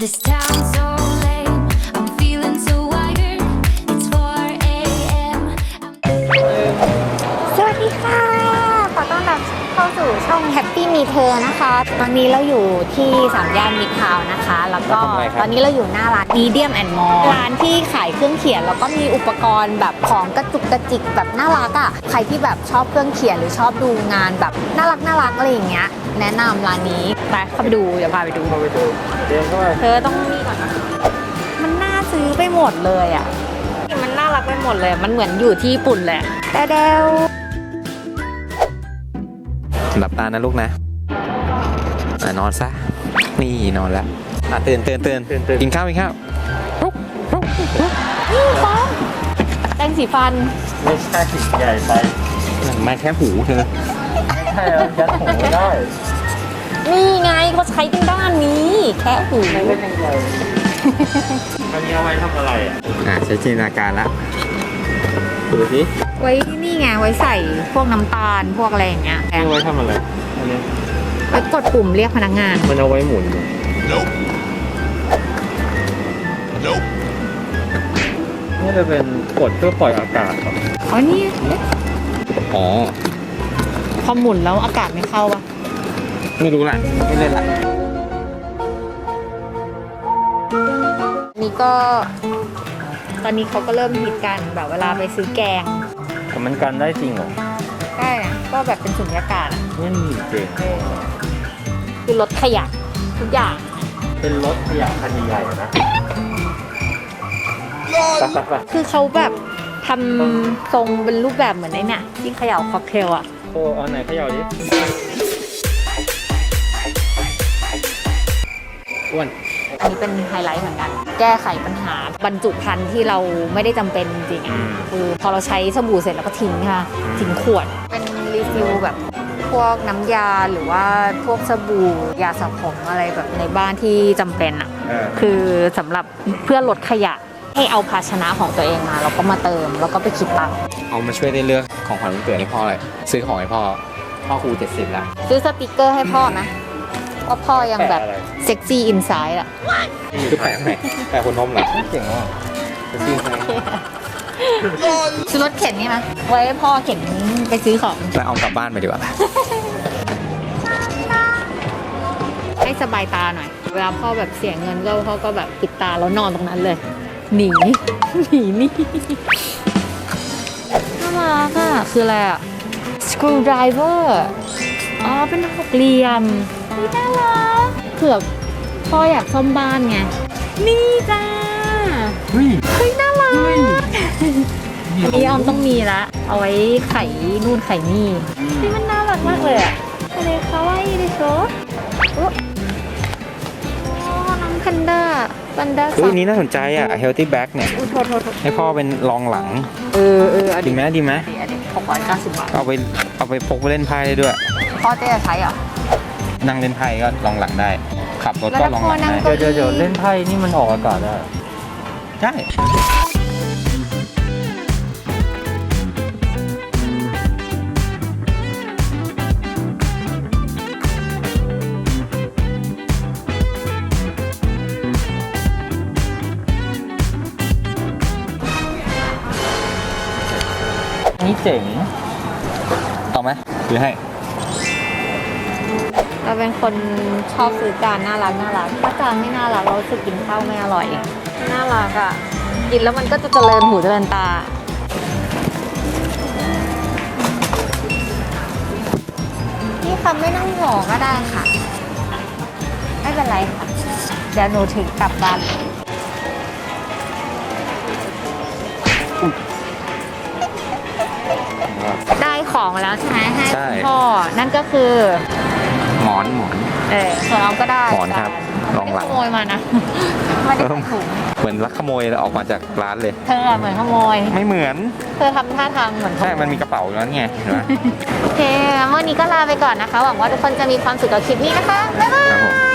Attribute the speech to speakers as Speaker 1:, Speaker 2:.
Speaker 1: This town's so lame. I'm feeling so wired. It's 4 a.m.
Speaker 2: สวัสดีค่ะ ขอต้อนรับเข้าสู่ช่อง Happy Me เธอนะคะ ตอนนี้เราอยู่ที่3 ย่านมิตรทาวน์นะคะ แล้วก็ตอนนี้เราอยู่หน้าร้าน Medium and More ร้านที่ขายเครื่องเขียนแล้วก็มีอุปกรณ์แบบของกระจุกกระจิกแบบน่ารักอ่ะ ใครที่แบบชอบเครื่องเขียนหรือชอบดูงานแบบน่ารักอะไรอย่างเงี้ย แนะนำร้านนี้ไปเข้าไปดูเดี๋ยวพาไปดู
Speaker 3: เดินเข้าไป
Speaker 2: เธอต้องนี่ก่อนนะมันน่าซื้อไปหมดเลยอ่ะ มันน่ารักไปหมดเลย มันเหมือนอยู่ที่ญี่ปุ่นแหละแต่เดว
Speaker 3: หลับตานะลูกนะนอนซะนี่นอนแล้วตื่นกินข้าว
Speaker 2: นี่ฟ้องแป้งสีฟัน
Speaker 4: ไม่ใช่ใหญ่ไป
Speaker 3: มาแค่หูเธอ
Speaker 4: ไม่ใช่แล้วยัดหูไม่ได้
Speaker 2: นี่ไงเขาใช้กันด้านนี้ แค่หู
Speaker 4: ไม่เป็นยังไงอันนี้เอาไว้ทำอะไรอ่ะ
Speaker 3: ใช้จินตนาการละดูสิ
Speaker 2: ไว้นี่ไงไว้ใส่พวกน้ำตาลพวกอะไรอย่างเงี้ย
Speaker 4: เอาไว้ทำอะไรอันนี้
Speaker 2: ไว้กดปุ่มเรียกพนักงาน
Speaker 4: มันเอาไว้หมุนนี่จะเป็นกดเพื่อปล่อยอากาศครับ
Speaker 2: อ๋อนี่
Speaker 3: อ๋อ
Speaker 2: พอหมุนแล้วอากาศไม่เข้าปะ
Speaker 3: ไม่รู้ละไม่เล่นละ
Speaker 2: นี่ก็ตอนนี้เขาก็เริ่มฮิตกันแบบเวลาไปซื้อแกง
Speaker 4: แต่มันกันได้จริงเหรอ
Speaker 2: ได้นะก็แบบเป็นสุญญากาศอะ
Speaker 4: นี่จริง
Speaker 2: คือลดขยะทุกอย่าง
Speaker 4: เป็นรถขยะคันใหญ่ๆนะไป
Speaker 2: คือเขาแบบทำทรงเป็นรูปแบบเหมือนไอ้เนี่ยที่เขย่าค็อกเทลอ่ะ
Speaker 4: โอ้เอาไหนเขย่าดิ
Speaker 3: อ้วน
Speaker 2: อันนี้เป็นไฮไลท์เหมือนกัน แก้ไขปัญหาบรรจุภัณฑ์ที่เราไม่ได้จำเป็นจริงๆอ่ะคือพอเราใช้สบู่เสร็จแล้วก็ทิ้งค่ะทิ้งขวด เป็นรีฟิลแบบพวกน้ำยาหรือว่าพวกสบู่ยาสระผมอะไรแบบในบ้านที่จำเป็นอ่ะ คือสำหรับเพื่อลดขยะให้เอาภาชนะของตัวเองมาแล้วก็มาเติมแล้วก็ไปคิดตังค์
Speaker 3: เอามาช่วยได้เลือกของขวัญวันเกิดให้พ่อเลยซื้อของให้พ่อครู70แล้ว
Speaker 2: ซื้อสติกเกอร์ให้พ่อนะว่าพ่อยังแบบ
Speaker 4: แปะอะไร
Speaker 2: เซ็กซี่อินไซด์อ่ะ
Speaker 3: คือแปะไหนแปะคนนมเหรอ
Speaker 4: เก่งว่ะ
Speaker 3: จะซื้อใคร
Speaker 2: ซื้อรถเข็นนี่ไหมไว้ให้พ่อเข็นไปซื้อของ
Speaker 3: แล้วเอากลับบ้านไปดีกว่า
Speaker 2: ให้สบายตาหน่อย เวลาพ่อแบบเสียเงินก็พ่อก็แบบปิดตาแล้วนอนตรงนั้นเลย หนีนี่น่ารักอ่ะคืออะไรอ่ะ screwdriver อ๋อเป็นหกเหลี่ยมนี่น่ารักเผื่อพ่ออยากซ่อมบ้านไง นี่จ้า เฮ้ยน่ารักอันนี้ออมต้องมีละ เอาไว้ไขนู่นไขนี่นี่มันน่ารักมากเลยอ่ะอะไรคะว่าอีดิโชโอ้น้องแพนด้า
Speaker 3: อุ้ย
Speaker 2: สับ
Speaker 3: นี้น่าสนใจอ่ะ healthy bag เนี่ย
Speaker 2: อุ้ยโทษ
Speaker 3: ให้พ่อเป็นรองหลัง
Speaker 2: อัน
Speaker 3: ดี
Speaker 2: นี้
Speaker 3: ไหมดีไหม
Speaker 2: 690 บาท
Speaker 3: เอาไปพกไปเล่นไพ่ได้ด้วย
Speaker 2: พ่อเจ๊จะใช้เหรอ
Speaker 3: นั่งเล่นไพ่ก็รองหลังได้ ขับรถก็รองหลัง
Speaker 2: แล้วถ้าพ่อนั่
Speaker 3: ได้
Speaker 2: ง
Speaker 4: เดี๋ยวเล่นไพ่นี่มันออกอากาศได้
Speaker 3: ใช่
Speaker 4: นี่เจ๋ง
Speaker 3: เอาไหมหรือให้
Speaker 2: เราเป็นคนชอบซื้อจานน่ารักถ้าจานไม่น่ารักเรารู้สึกกินข้าวไม่อร่อยน่ารักอ่ะกินแล้วมันก็จะเจริญหูเจริญตานี่ค่ะไม่ต้องห่อก็ได้ค่ะไม่เป็นไรค่ะเดี๋ยวหนูถึงกลับบ้านได้ของแล้วใช่ไหมให้
Speaker 3: ใช่
Speaker 2: คุณพ่อนั่นก็คือ
Speaker 3: หมอน
Speaker 2: ส่วนเราก็ได้
Speaker 3: หมอนครับรองหลัง
Speaker 2: ไม่ได้ขโมยมานะไม่ได้ใส่ถุง
Speaker 3: เหมือนลักขโมยออกมาจากร้านเลย
Speaker 2: เธอเหมือนขโมย
Speaker 3: ไม่เหมือน
Speaker 2: เธอทำท่าทางเหมือนขโม
Speaker 3: ใช่
Speaker 2: ย
Speaker 3: มันมีกระเป๋าอยู่แล้วไงเห็นไหม
Speaker 2: โอเควันนี้ก็ลาไปก่อนนะคะ หวังว่าทุกคนจะมีความสุขกับคลิปนี้นะคะ บ๊ายบา
Speaker 3: ครับผม
Speaker 2: ย